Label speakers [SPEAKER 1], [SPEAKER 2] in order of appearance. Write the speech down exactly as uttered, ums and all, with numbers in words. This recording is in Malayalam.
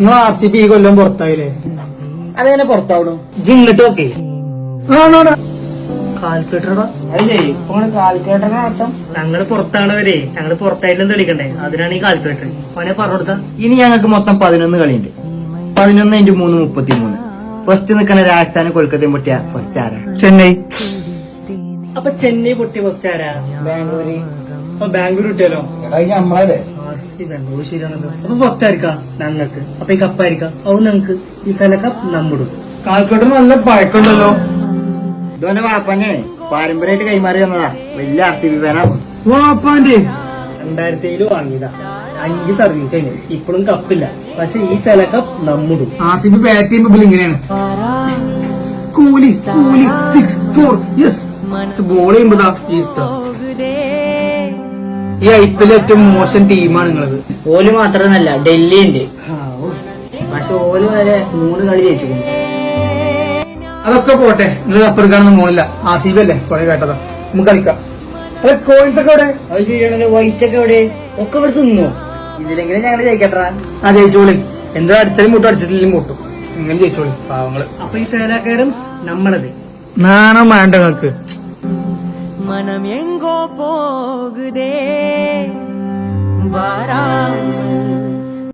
[SPEAKER 1] നിങ്ങൾ ആർ സി ബി ഈ കൊല്ലം പുറത്തായില്ലേ?
[SPEAKER 2] അതെങ്ങനെ പുറത്താവണം?
[SPEAKER 1] ജിങ്ങിട്ട് ഓക്കെ
[SPEAKER 2] കാൽക്കുലേറ്ററാ അല്ലേ? ഇപ്പൊ കാൽക്കുലേറ്ററിന് അർത്ഥം
[SPEAKER 1] ഞങ്ങള് പുറത്താണവരെ ഞങ്ങള് പുറത്തായിട്ടും തെളിക്കണ്ടേ, അതിനാണ് ഈ കാൽക്കുലേറ്റർ. അവനെ പറഞ്ഞു കൊടുത്ത ഇനി ഞങ്ങൾക്ക് മൊത്തം പതിനൊന്ന് കളിയുണ്ട്. പതിനൊന്ന് ഇൻറ്റു മൂന്ന് മുപ്പത്തി മൂന്ന്. ഫസ്റ്റ് നിൽക്കുന്ന രാജസ്ഥാനും കൊൽക്കത്തയും പൊട്ടിയ ഫസ്റ്റ് ആരാ? ചെന്നൈ. അപ്പൊ ചെന്നൈ പൊട്ടിയ ഫസ്റ്റ് ആരാ?
[SPEAKER 2] ബാംഗ്ലൂര്.
[SPEAKER 1] അപ്പൊ ബാംഗ്ലൂർ കിട്ടിയാലോ?
[SPEAKER 2] നമ്മളല്ലേ
[SPEAKER 1] ബാംഗ്ലൂർ ശരിയാണല്ലോ. അപ്പൊ ഫസ്റ്റ് ആയിരിക്കാം ഞങ്ങൾക്ക്. അപ്പൊ ഈ കപ്പായിരിക്കാം അത് ഞങ്ങൾക്ക്. ഈ സ്ഥല കപ്പ് നമ്മടും.
[SPEAKER 2] കാൽക്കുലേറ്റർ നല്ല പഴക്കമുണ്ടല്ലോ.
[SPEAKER 1] ഇതോന്റെ വാപ്പാനെ പാരമ്പര്യമായിട്ട് കൈമാറി തന്നതാ. വലിയ ആർ സി ബി ഫാനാ.
[SPEAKER 2] വാപ്പാന്റെ
[SPEAKER 1] രണ്ടായിരത്തി ഏഴില് വാങ്ങിയതാ. അഞ്ച് സർവീസ് കഴിഞ്ഞു. ഇപ്പോഴും കപ്പില്ല. പക്ഷെ ഈ സ്ഥല കപ്പ് നമ്മടും.
[SPEAKER 2] ആർ സി ബി ബാറ്റ് ചെയ്യുമ്പോ ഇങ്ങനെയാണ്. കൂലി കൂലി സിക്സ് ഫോർ യെസ്. ബോൾ ചെയ്യുമ്പോതാ ഈ ഐ പി എൽ ഏറ്റവും മോശം ടീമാണ് നിങ്ങളത്.
[SPEAKER 1] ഓല് മാത്രമല്ല ഡൽഹി ഉണ്ട്. പക്ഷെ ഓല് വരെ മൂന്ന് കളി ജയിച്ചു.
[SPEAKER 2] അതൊക്കെ പോട്ടെ, നിങ്ങൾ അപ്പുറക്കാണെന്ന് മോളില്ല. ആർ സി ബി അല്ലേ കുറെ കേട്ടതാ. നമുക്ക് കളിക്കാം. അതെ കോയിൻസ് ഒക്കെ എവിടെ?
[SPEAKER 1] അത് ശരിയാണല്ലോ. വൈറ്റ് ഒക്കെ എവിടെ? ഒക്കെ ഇവിടെ തിന്നോ? ഇതിലെങ്കിലും ഞങ്ങള് ജയിക്കട്ടാ.
[SPEAKER 2] ആ ജയിച്ചോളി. എന്താ അടിച്ചാലും മുട്ടും അടിച്ചിട്ടില്ലെങ്കിൽ മുട്ടും. നിങ്ങൾ ജയിച്ചോളി പാവങ്ങള്.
[SPEAKER 1] അപ്പൊ ഈ സേനാകാരം നമ്മളത്
[SPEAKER 2] നാണം വേണ്ട നിങ്ങൾക്ക്.
[SPEAKER 3] மனம் எங்கோ போகுதே வாராமல்